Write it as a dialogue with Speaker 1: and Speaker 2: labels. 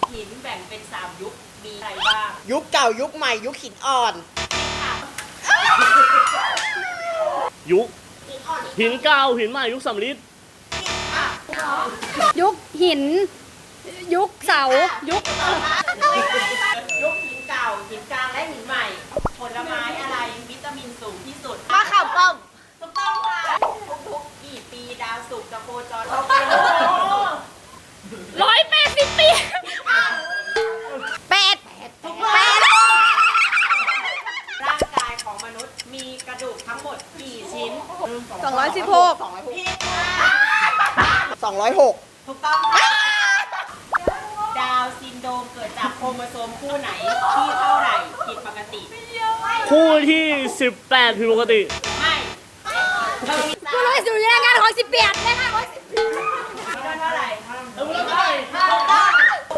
Speaker 1: หินแบ่งเป็น3ยุคมีอะไรบ้าง
Speaker 2: ยุคเก่ายุคใหม่ยุคหินอ่อน
Speaker 3: ยุคหินเก่าหินใหม่ยุคสำริด
Speaker 4: ยุคหิน ยุคเสายุค
Speaker 1: ยุคหินเก่าหินกลางและหินใหม่ ผลไม้อะไรวิตามินสูงที่สุด
Speaker 5: มะขามป้อม
Speaker 1: ถูกต้องค่ะทุกๆกี่ปีดาวศุกร์จะโคจรรอบ
Speaker 4: 180 ปี
Speaker 5: เป็ด
Speaker 1: ร่างกายของมนุษย์มีกระดูกทั้งหมดกี่ชิ้น
Speaker 5: 216
Speaker 1: ผิดค่ะ
Speaker 2: 206
Speaker 1: ถูกต้องค่ะดาวน์ซินโดรมเกิดจากโครโมโซมคู่ไหนที่เท่าไหร่ผิดปกติ
Speaker 3: คู่ที่ 18ผิดปกติ
Speaker 1: ไม่เธอมี
Speaker 4: กูรู้อยู่ในงานของ18นะคะ
Speaker 1: เท่าไหร่